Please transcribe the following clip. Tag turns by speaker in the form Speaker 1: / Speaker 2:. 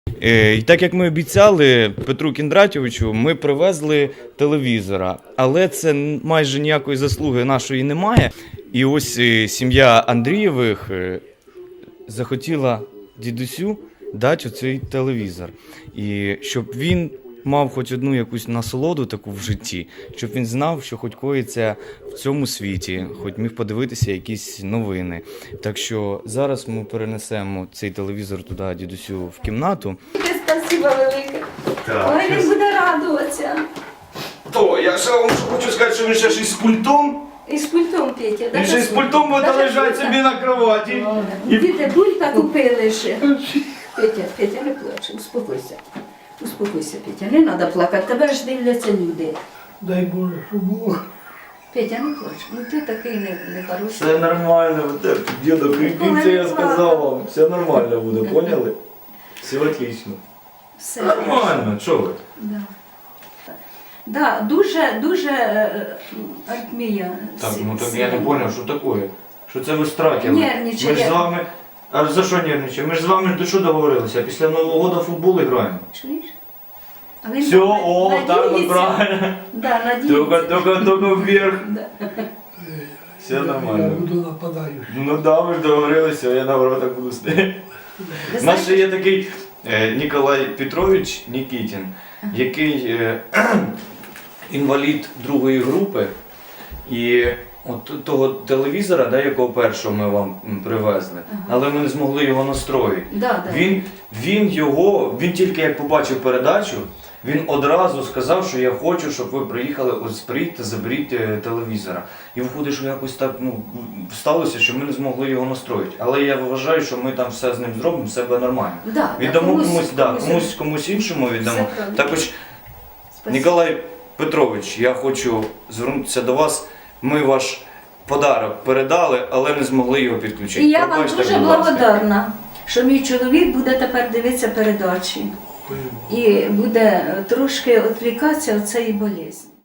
Speaker 1: І так як ми обіцяли Петру Кіндратовичу, ми привезли телевізора, але це майже ніякої заслуги нашої немає. І ось сім'я Андрієвих захотіла дідусю дати оцей телевізор. І щоб він мав хоч одну якусь насолоду таку в житті, щоб він знав, що хоч коїться в цьому світі, хоч міг подивитися якісь новини. Так що зараз ми перенесемо цей телевізор туди дідусю в кімнату.
Speaker 2: Спасибо велике. Ой, він буде радуватися.
Speaker 1: То, я ще вам хочу сказати, що він ще ж із пультом.
Speaker 2: І з пультом, Петя.
Speaker 1: Він ще з пультом буде лежати собі на кроваті.
Speaker 2: Діти, булька купили ще. Петя, не плач, успокойся. Успокойся, Петя, не треба плакати, тебе ж дивляться люди.
Speaker 3: Дай Боже, щоб було.
Speaker 2: Петя, не плач, ну ти такий нехороший.
Speaker 1: Все нормально, діда, кріпіться, я сказав вам. Все нормально буде, поняли? Все отлично.
Speaker 2: Все.
Speaker 1: Нормально, що ви?
Speaker 2: Да. Да, дуже аритмія.
Speaker 1: Так, ну так я не зрозумів, що таке? Що це ви стратили?
Speaker 2: Нервничає.
Speaker 1: Ми ж з вами... А за що нервничаємо? Ми ж з вами до що договорилися? Після Нового року в футбол граємо.
Speaker 2: Чуєш? А він
Speaker 1: Все, о, так от
Speaker 2: надіється.
Speaker 1: правильно.
Speaker 2: Да, надіється.
Speaker 1: Только вверх.
Speaker 2: Да.
Speaker 1: Все
Speaker 3: Я
Speaker 1: нормально.
Speaker 3: буду нападаючим.
Speaker 1: Ну да, ми ж договорилися, я наоборот так буду стояти.
Speaker 2: Ви
Speaker 1: У нас
Speaker 2: знаєте,
Speaker 1: ще є такий Ніколай Петрович Нікітін, який інвалід другої групи. І от того телевізора, да, якого першого ми вам привезли, але ми не змогли його настроїти.
Speaker 2: да.
Speaker 1: Він тільки як побачив передачу, він одразу сказав, що я хочу, щоб ви приїхали, ось приїдьте, заберіть телевізора. І виходить, що якось так сталося, що ми не змогли його настроїти. Але я вважаю, що ми там все з ним зробимо, все буде нормально.
Speaker 2: Да,
Speaker 1: Віддамо комусь іншому віддамо.
Speaker 2: Все правильно.
Speaker 1: Також,
Speaker 2: Спасибо.
Speaker 1: Ніколай Петрович, я хочу звернутися до вас. Ми ваш подарок передали, але не змогли його підключити.
Speaker 2: І я вам
Speaker 1: Пробачте,
Speaker 2: дуже
Speaker 1: будь ласка.
Speaker 2: благодарна, що мій чоловік буде тепер дивитися передачі і буде трошки відвлікатися від цієї болезні.